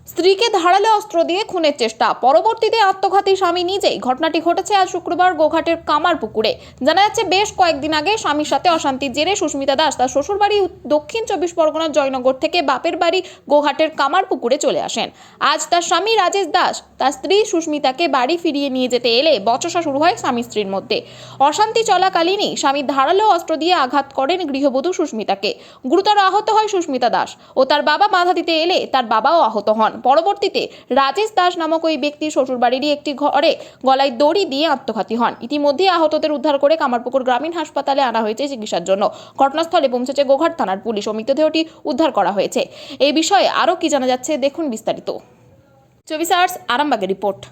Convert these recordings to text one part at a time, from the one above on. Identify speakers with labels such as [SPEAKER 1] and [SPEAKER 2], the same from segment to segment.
[SPEAKER 1] স্ত্রীকে ধারালো অস্ত্র দিয়ে খুনের চেষ্টা, পরবর্তীতে আত্মঘাতী স্বামী নিজেই। ঘটনাটি ঘটেছে আজ শুক্রবার গোঘাটের কামারপুকুরে। জানা যাচ্ছে, বেশ কয়েকদিন আগে স্বামীর সাথে অশান্তির জেরে সুস্মিতা দাস তার শ্বশুরবাড়ি দক্ষিণ 24 পরগনার জয়নগর থেকে বাপের বাড়ি গোঘাটের কামারপুকুরে চলে আসেন। আজ তার স্বামী রাজেশ দাস তার স্ত্রী সুস্মিতাকে বাড়ি ফিরিয়ে নিয়ে যেতে এলে বচসা শুরু হয় স্বামী স্ত্রীর মধ্যে। অশান্তি চলাকালীনই স্বামী ধারালো অস্ত্র দিয়ে আঘাত করেন গৃহবধূ সুস্মিতাকে। গুরুতর আহত হয় সুস্মিতা দাস ও তার বাবা বাধা দিতে এলে তার বাবাও আহত হন। পরবর্তীতে রাজেশ দাস নামক ওই ব্যক্তি শ্বশুরবাড়িরই একটি ঘরে গলায় দড়ি দিয়ে আত্মঘাতী হন। ইতিমধ্যে আহতদের উদ্ধার করে কামারপুকুর গ্রামীণ হাসপাতালে আনা হয়েছে চিকিৎসার জন্য। ঘটনাস্থলে পৌঁছেছে গোঘাট থানার পুলিশ ও মৃতদেহটি উদ্ধার করা হয়েছে। এই বিষয়ে আরও কি জানা যাচ্ছে দেখুন বিস্তারিত। 24 আওয়ার্স আরামবাগের রিপোর্ট।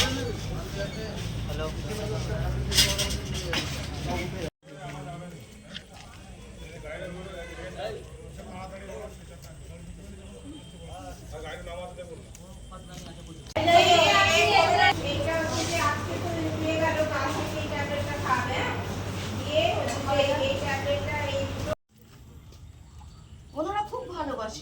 [SPEAKER 2] ওনারা খুব ভালোবাসে,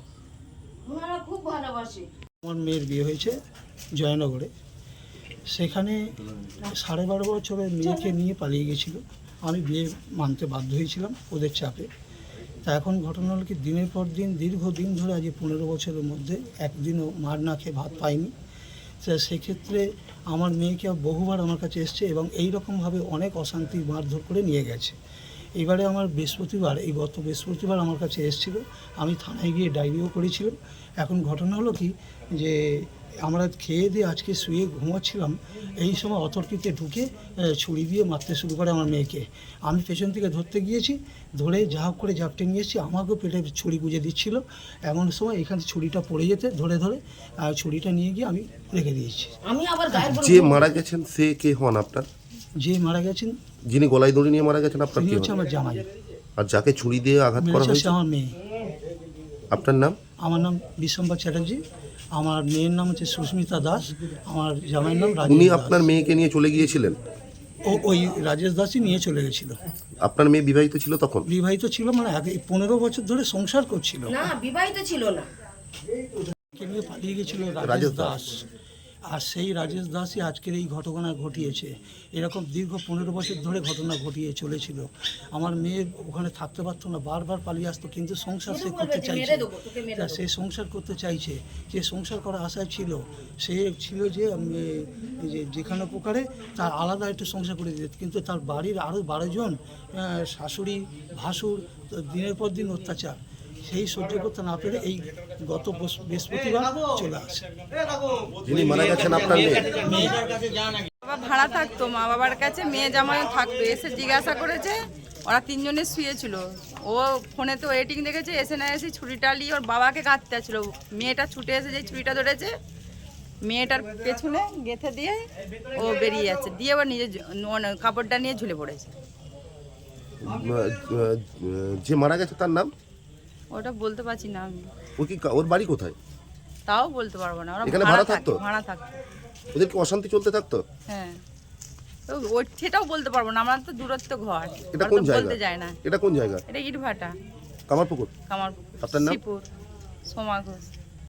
[SPEAKER 2] ওনারা খুব ভালোবাসে।
[SPEAKER 3] আমার মেয়ের বিয়ে হয়েছে জয়নগরে। সেখানে 12.5 বছরের মেয়েকে নিয়ে পালিয়ে গেছিল। আমি বিয়ে মানতে বাধ্য হয়েছিলাম ওদের চাপে। তা এখন ঘটনা হলো কি, দিনের পর দিন দীর্ঘদিন ধরে আজ 15 বছরের মধ্যে একদিনও মার না খেয়ে ভাত পাইনি। তা সেক্ষেত্রে আমার মেয়েকে বহুবার আমার কাছে এসছে এবং এই রকমভাবে অনেক অশান্তি মারধর করে নিয়ে গেছে। এবারে আমার গত বৃহস্পতিবার আমার কাছে এসেছিল। আমি থানায় গিয়ে ডায়েরিও করেছিলাম। এখন ঘটনা হলো কি, যে আমরা খেয়ে দিয়ে আজকে শুয়ে ঘুমাচ্ছিলাম, এই সময় অতর্কিতে ঢুকে ছুরি দিয়ে মারতে শুরু করে আমার মেয়েকে। আমি পেছন থেকে ধরতে গিয়েছি, ধরে যা হোক করে ঝাপটে নিয়ে এসেছি। আমাকেও পেটে ছুরি গুঁজে দিচ্ছিল। এমন সময় এখানে ছুরিটা পড়ে যেতে ধরে ছুরিটা নিয়ে গিয়ে আমি রেখে দিয়েছি।
[SPEAKER 2] আমি আবার গায়ের
[SPEAKER 4] যে মারা গেছেন সে কে হন আপনার?
[SPEAKER 3] যে মারা গেছেন,
[SPEAKER 4] যিনি গলায় দড়ি নিয়ে মারা গেছেন আপনার
[SPEAKER 3] তিনি
[SPEAKER 4] কি
[SPEAKER 3] হচ্ছে
[SPEAKER 4] হন?
[SPEAKER 3] আমার জামাই।
[SPEAKER 4] আর যাকে ছুরি দিয়ে আঘাত করা
[SPEAKER 3] মেরেছে
[SPEAKER 4] হয়েছে
[SPEAKER 3] আমার মেয়ে।
[SPEAKER 4] আপনার নাম?
[SPEAKER 3] আমার নাম বিশ্বম্বর চ্যাটার্জি। আমার মেয়ের নাম হচ্ছে সুস্মিতা দাস। আমার জামাইয়ের নাম রাজেশ
[SPEAKER 4] উনি
[SPEAKER 3] দাস।
[SPEAKER 4] আপনার মেয়েকে নিয়ে চলে গিয়েছিলেন?
[SPEAKER 3] ওই রাজেশ দাসই নিয়ে চলে গেছিল।
[SPEAKER 4] আপনার মেয়ে বিবাহিত ছিল তখন?
[SPEAKER 3] বিবাহিত ছিল, মানে আগে 15 বছর ধরে সংসার করছিল।
[SPEAKER 2] না, বিবাহিত ছিল না।
[SPEAKER 3] কে নিয়ে পালিয়ে গেছিল রাজেশ
[SPEAKER 4] রাজেশ
[SPEAKER 3] দাস। আর সেই রাজেশ দাসই আজকের এই ঘটনা ঘটিয়েছে। এরকম দীর্ঘ 15 বছর ধরে ঘটনা ঘটিয়ে চলেছিল। আমার মেয়ে ওখানে থাকতে পারতো না, বারবার পালিয়ে আসতো, কিন্তু সংসার সে করতে চাইছে। তা সে সংসার করতে চাইছে, যে সংসার করার আশায় ছিল। সে ছিল যে যেখানে প্রকারে তার আলাদা একটু সংসার করে দিত, কিন্তু তার বাড়ির আরও 12 জন শাশুড়ি ভাসুর দিনের পর দিন অত্যাচার, সেই সহ্য করতে না পেরে এই গত বৃহস্পতিবার চলে আসে।
[SPEAKER 4] যিনি মারা গেছেন আপনার মেয়ে?
[SPEAKER 5] বাবা ভাড়া থাকতো মা বাবার কাছে, মেয়ে জামাই থাকতো। এসে জিজ্ঞাসা করেছে, ওরা 3 জনে শুয়েছিল। ও ফোনে তো ওয়েটিং দেখেছে, এসে না এসে ছুরিটা নিয়ে ওর বাবাকে কাটতে ছিল। মেয়েটা ছুটে এসে যে ছুরিটা ধরেছে, মেয়েটার পেছনে গেঁথে দিয়ে ও বেরিয়ে যাচ্ছে, দিয়ে আবার নিজের কাপড়টা নিয়ে ঝুলে পড়েছে।
[SPEAKER 4] যে মারা গেছে তার নাম?
[SPEAKER 5] ওটা বলতে পারছি না আমি।
[SPEAKER 4] ও কি, ওর বাড়ি কোথায়?
[SPEAKER 5] তাও বলতে পারবো না। ওরা
[SPEAKER 4] এখানে
[SPEAKER 5] ভাড়া
[SPEAKER 4] ভাড়া থাকতো?
[SPEAKER 5] ভাড়া থাকতো।
[SPEAKER 4] ওদের কি অশান্তি চলতে থাকতো?
[SPEAKER 5] হ্যাঁ, তো সেটাও বলতে পারবো না, আমার তো দূরত্ব ঘর।
[SPEAKER 4] এটা
[SPEAKER 5] ওরা
[SPEAKER 4] কোন
[SPEAKER 5] তো
[SPEAKER 4] জায়গা?
[SPEAKER 5] বলতে যায় না।
[SPEAKER 4] এটা কোন জায়গা?
[SPEAKER 5] এটা ইটভাটা,
[SPEAKER 4] কামারপুকুর।
[SPEAKER 5] কামারপুকুর।
[SPEAKER 4] আপনার নাম?
[SPEAKER 5] শ্রীপুর, সোমা ঘোষ।